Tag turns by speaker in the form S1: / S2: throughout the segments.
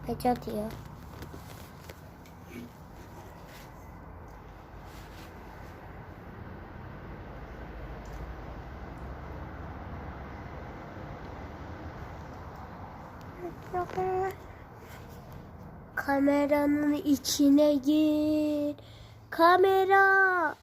S1: Beca diyor. Kameranın içine gir. Kamera.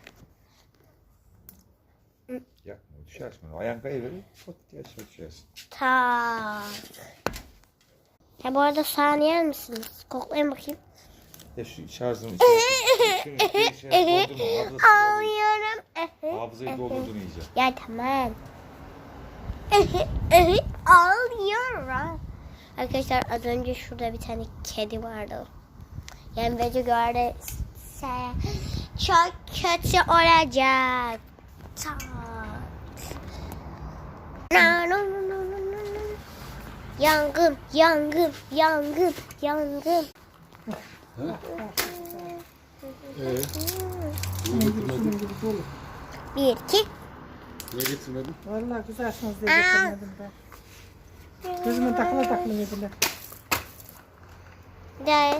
S2: Yapma, düşersin. Ayağın kayıverir, pot diye aşağı düşersin.
S1: Ta. Ya bu arada soğan yer misiniz? Koklayın bakayım.
S2: Ya şu şarjın içine doldurma.
S1: Alıyorum.
S2: Hafızayı doldurdun iyice.
S1: Ya tamam. Alıyorum. Arkadaşlar az önce şurada bir tane kedi vardı. Yani bence gördüyse çok kötü olacak. Yangın, yangın, yangın, yangın.
S3: Niye getirmedin?
S1: Bir, iki.
S3: Niye getirmedin?
S4: Vallahi kızarsınız diye getirmedim ben. Gözüme takıla yediler.
S1: Guys.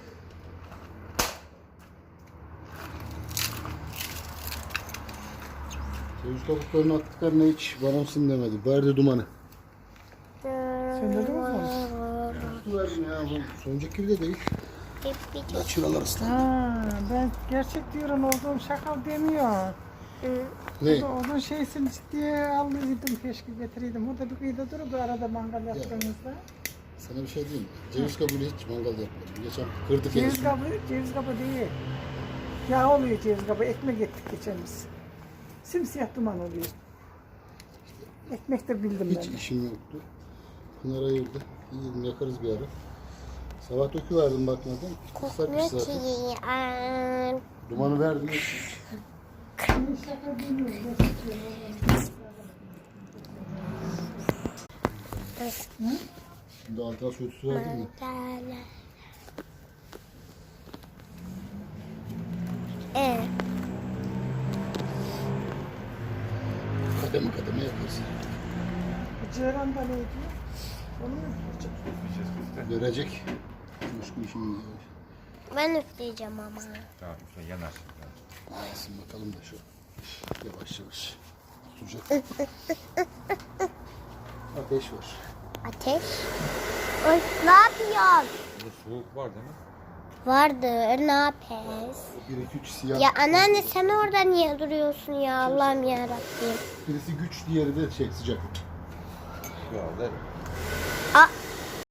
S3: Ceviz kabuklarını attıklarına hiç varamsın demedi. Verdi dumanı.
S4: Söndürdünüz mü?
S3: Su verdim ya. Bu sonuncaki gibi de değil. Ya çıralar ıslandı.
S4: Ha, ben gerçek diyorum olduğum şakal demiyor.
S3: Ne?
S4: Onun şeysini ciddiye aldıydım, keşke getireydim. Orada bir kıyıda dururdu arada mangal yaptığımızda.
S3: Sana bir şey diyeyim mi? Ceviz kabuğuyla hiç mangal yapmadım. Geçen kırdık en son.
S4: Ceviz kabı değil. Yağ oluyor ceviz kabı. Ekmek ettik geçen biz. Simsiyah duman oluyor. Ekmek de bildim
S3: Hiç
S4: ben.
S3: işim yoktu. Pınar ayırdı. İyi yakarız bir ara. Sabah döküverdim bakmadan. Islakmış zaten. Dumanı verdim. Şimdi altına su verdim mi? Kademe kademe yaparsın.
S4: Ceyran da neydi? Onu mu yapacak?
S3: Görecek. Coşku işimiz var.
S1: Ben üfleyeceğim ama.
S2: Tamam, üfle yanar.
S3: Yansın bakalım da şu. Yavaş yavaş. Tutacak. Ateş var.
S1: Ateş. Oy, ne yapıyorsun?
S2: Burada soğuk var değil mi?
S1: Vardır, ne yapıyoruz?
S3: 1 2 3 siyah.
S1: Ya anneanne sen orada niye duruyorsun ya Allah'ım yarabbim.
S3: Birisi güç, diğeri de sıcak.
S2: Şu anda
S1: Aa,